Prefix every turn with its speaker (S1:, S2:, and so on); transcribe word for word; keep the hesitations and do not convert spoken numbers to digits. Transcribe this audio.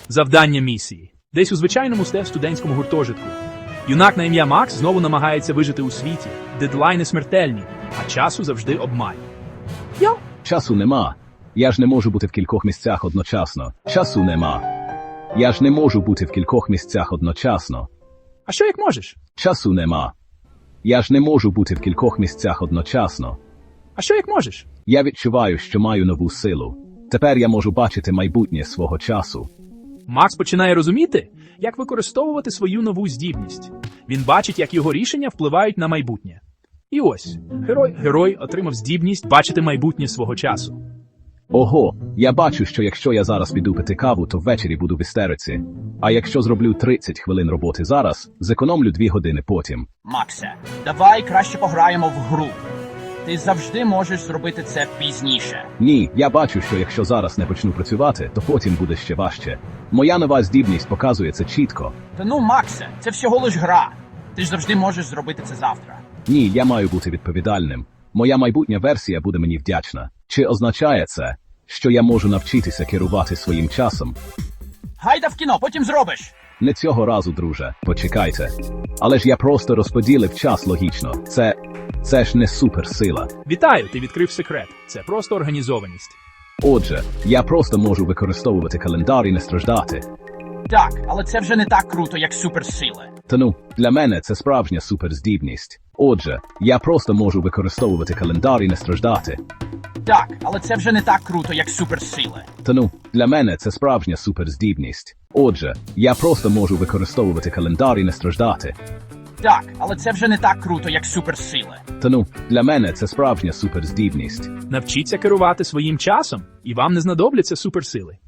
S1: Завдання місії. Десь у звичайному сте- студентському гуртожитку. Юнак на ім'я Макс знову намагається вижити у світі. Дедлайни смертельні, а часу завжди обмаль.
S2: Я? Часу нема. Я ж не можу бути в кількох місцях одночасно. Часу нема. Я ж не можу бути в кількох місцях одночасно.
S1: А що як можеш?
S2: Часу нема. Я ж не можу бути в кількох місцях одночасно.
S1: А що як можеш?
S2: Я відчуваю, що маю нову силу. Тепер я можу бачити майбутнє свого часу.
S1: Макс починає розуміти, як використовувати свою нову здібність. Він бачить, як його рішення впливають на майбутнє. І ось, герой, герой отримав здібність бачити майбутнє свого часу.
S2: Ого, я бачу, що якщо я зараз піду пити каву, то ввечері буду в істериці. А якщо зроблю тридцять хвилин роботи зараз, зекономлю дві години потім.
S3: Максе, давай краще пограємо в гру. Ти завжди можеш зробити це пізніше.
S2: Ні, я бачу, що якщо зараз не почну працювати, то потім буде ще важче. Моя нова здібність показує це чітко.
S3: Та ну, Максе, це всього лиш гра. Ти ж завжди можеш зробити це завтра.
S2: Ні, я маю бути відповідальним. Моя майбутня версія буде мені вдячна. Чи означає це, що я можу навчитися керувати своїм часом?
S3: Гайда в кіно, потім зробиш.
S2: Не цього разу, друже, почекайте. Але ж я просто розподілив час логічно. Це... це ж не суперсила.
S1: Вітаю, ти відкрив секрет. Це просто організованість.
S2: Отже, я просто можу використовувати календар і не страждати.
S3: Так, але це вже не так круто, як суперсили.
S2: Та ну, для мене це справжня суперздібність. Отже, я просто можу використовувати календар і не страждати.
S3: Так, але це вже не так круто, як суперсили.
S2: Та ну, для мене це справжня суперздібність. Отже, я просто можу використовувати календар і не страждати.
S3: Так, але це вже не так круто, як суперсили.
S2: Та ну, для мене це справжня суперздібність.
S1: Навчіться керувати своїм часом, і вам не знадобляться суперсили.